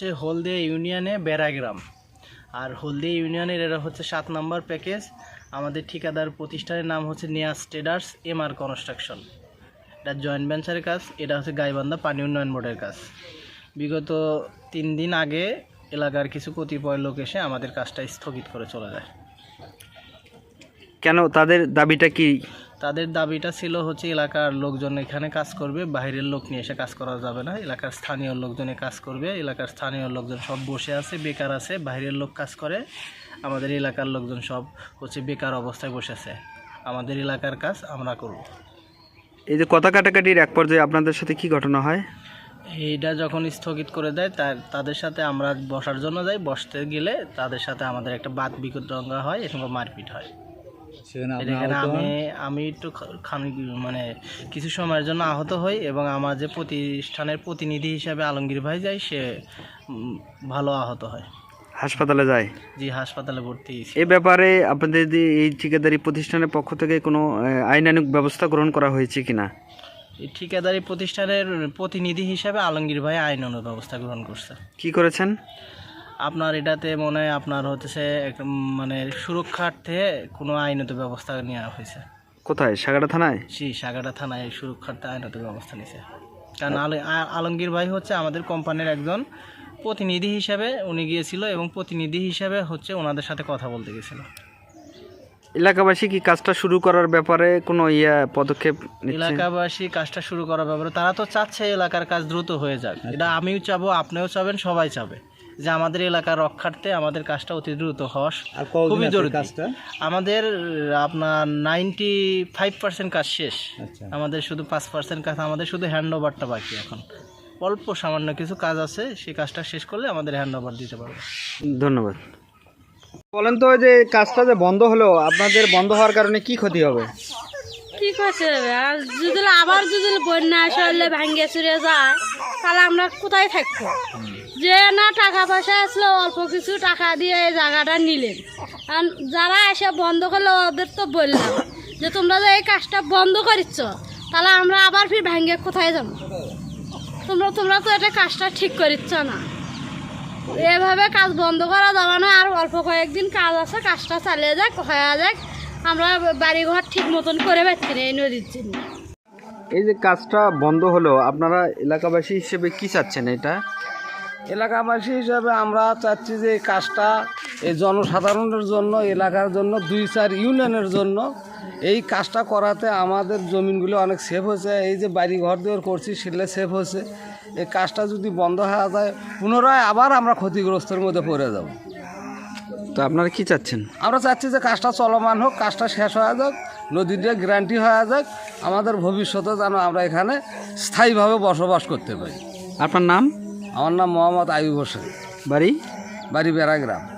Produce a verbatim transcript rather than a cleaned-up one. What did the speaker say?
হচ্ছে হলদিয়া ইউনিয়নে বেড়াগ্রাম, আর হলদিয়া ইউনিয়নের এটা হচ্ছে সাত নম্বর প্যাকেজ। আমাদের ঠিকাদার প্রতিষ্ঠানের নাম হচ্ছে Niaz traders M R construction. এটা জয়েন্ট ভেঞ্চারের কাজ। এটা হচ্ছে গাইবান্ধা পানি উন্নয়ন বোর্ডের কাজ। বিগত তিন দিন আগে এলাকার কিছু কতিপয় লোক এসে আমাদের কাজটা স্থগিত করে চলে যায়। কেন, তাদের দাবিটা কি? তাদের দাবিটা ছিল হচ্ছে এলাকার লোকজন এখানে কাজ করবে, বাইরের লোক নিয়ে এসে কাজ করা যাবে না, এলাকার স্থানীয় লোকজনে কাজ করবে। এলাকার স্থানীয় লোকজন সব বসে আছে, বেকার আছে, বাইরের লোক কাজ করে, আমাদের এলাকার লোকজন সব হচ্ছে বেকার অবস্থায় বসে আছে। আমাদের এলাকার কাজ আমরা করব। এই যে কথা কাটাকাটির এক পর্যায়ে আপনাদের সাথে কি ঘটনা হয়? এইটা যখন স্থগিত করে দেয় তার তাদের সাথে আমরা বসার জন্য যাই, বসতে গেলে তাদের সাথে আমাদের একটা বাদ বিতণ্ডা হয়, এরকম মারপিট হয়। এখানে আমি আমি একটু খানিক মানে কিছু সময়ের জন্য আহত হই, এবং আমার যে প্রতিষ্ঠানের প্রতিনিধি হিসাবে আলমগীর ভাই যায়, সে ভালো আহত হয়, হাসপাতালে যায়। জি, হাসপাতালে ভর্তি। এ ব্যাপারে আপনাদের এই ঠিকাদারি প্রতিষ্ঠানের পক্ষ থেকে কোনো আইনানুগ ব্যবস্থা গ্রহণ করা হয়েছে কিনা? এই ঠিকাদারি প্রতিষ্ঠানের প্রতিনিধি হিসাবে আলমগীর ভাই আইনানুগ ব্যবস্থা গ্রহণ করছে। কি করেছেন? আপনার এটাতে মনে হয় আপনার হচ্ছে মানে সুরক্ষার্থে কোনো আইনত ব্যবস্থা নেওয়া হয়েছে। কোথায়? সাগাটা থানায়? জি, সাগাটা থানায় সুরক্ষার্থে আইনত ব্যবস্থা নিয়েছে। কারণ আলমগীর ভাই হচ্ছে আমাদের কোম্পানির একজন প্রতিনিধি হিসাবে উনি গিয়েছিল, এবং প্রতিনিধি হিসাবে হচ্ছে ওনাদের সাথে কথা বলতে গেছিল। এলাকাবাসী কি কাজটা শুরু করার ব্যাপারে কোনো ইয়া পদক্ষেপ নিচ্ছে? এলাকাবাসী কাজটা শুরু করার ব্যাপারে তারা তো চাচ্ছে এলাকার কাজ দ্রুত হয়ে যাক। এটা আমিও চাবো, আপনিও চাবেন, সবাই চাবে যে আমাদের এলাকার রক্ষার্থে আমাদের কাজটা অতি দ্রুত হওয়া খুবই জরুরি। আমাদের আপনার নাইনটি ফাইভ পার্সেন্ট কাজ শেষ, আমাদের শুধু পাঁচ পার্সেন্ট কাজ, আমাদের শুধু হ্যান্ড ওভারটা বাকি। এখন অল্প সামান্য কিছু কাজ আছে, সেই কাজটা শেষ করলে আমাদের হ্যান্ড ওভার দিতে পারবে। ধন্যবাদ। বলেন তো, যে কাজটা যে বন্ধ হলো, আপনাদের বন্ধ হওয়ার কারণে কি ক্ষতি হবে? কি করতে হবে? আর যদি আবার যদি বন্যা আসলে ভাঙ্গে চুরে যায়, তাহলে আমরা কোথায় থাকবো? যে না টাকা পয়সা আসলো, অল্প কিছু টাকা দিয়ে এই জায়গাটা নিলেন, আর যারা এসে বন্ধ করলো ওদের তো বললাম যে তোমরা যে এই কাজটা বন্ধ করিচ্ছ, তাহলে আমরা আবার ফির ভাঙ্গে কোথায় যাবো? তোমরা তোমরা তো এটা কাজটা ঠিক করিচ্ছ না। এভাবে কাজ বন্ধ করা যাবে না। আর অল্প কয়েকদিন কাজ আছে, কাজটা চালিয়ে যাক, হয়ে যাক। আমরা বাড়িঘর ঠিক মতন করে পাচ্ছি না এই নদীর জন্য। এই যে কাজটা বন্ধ হলো, আপনারা এলাকাবাসী হিসেবে কি চাচ্ছেন? এটা এলাকাবাসী হিসাবে আমরা চাচ্ছি যে এই কাজটা এই জনসাধারণের জন্য, এলাকার জন্য, দুই চার ইউনিয়নের জন্য এই কাজটা করাতে আমাদের জমিনগুলো অনেক সেভ হয়েছে। এই যে বাড়ি ঘর দেওয়ার করছি, সেগুলো সেভ হয়েছে। এই কাজটা যদি বন্ধ হয়ে যায়, পুনরায় আবার আমরা ক্ষতিগ্রস্তের মধ্যে পড়ে যাব। তো আপনারা কি চাচ্ছেন? আমরা চাচ্ছি যে কাজটা চলমান হোক, কাজটা শেষ হয়ে যাক, নদীটা গ্যারান্টি হয়ে যাক, আমাদের ভবিষ্যতে যেন আমরা এখানে স্থায়ীভাবে বসবাস করতে পারি। আপনার নাম? আমার নাম মোহাম্মদ আইয়ুব হোসেন। বাড়ি? বাড়ি বেড়াগ্রাম।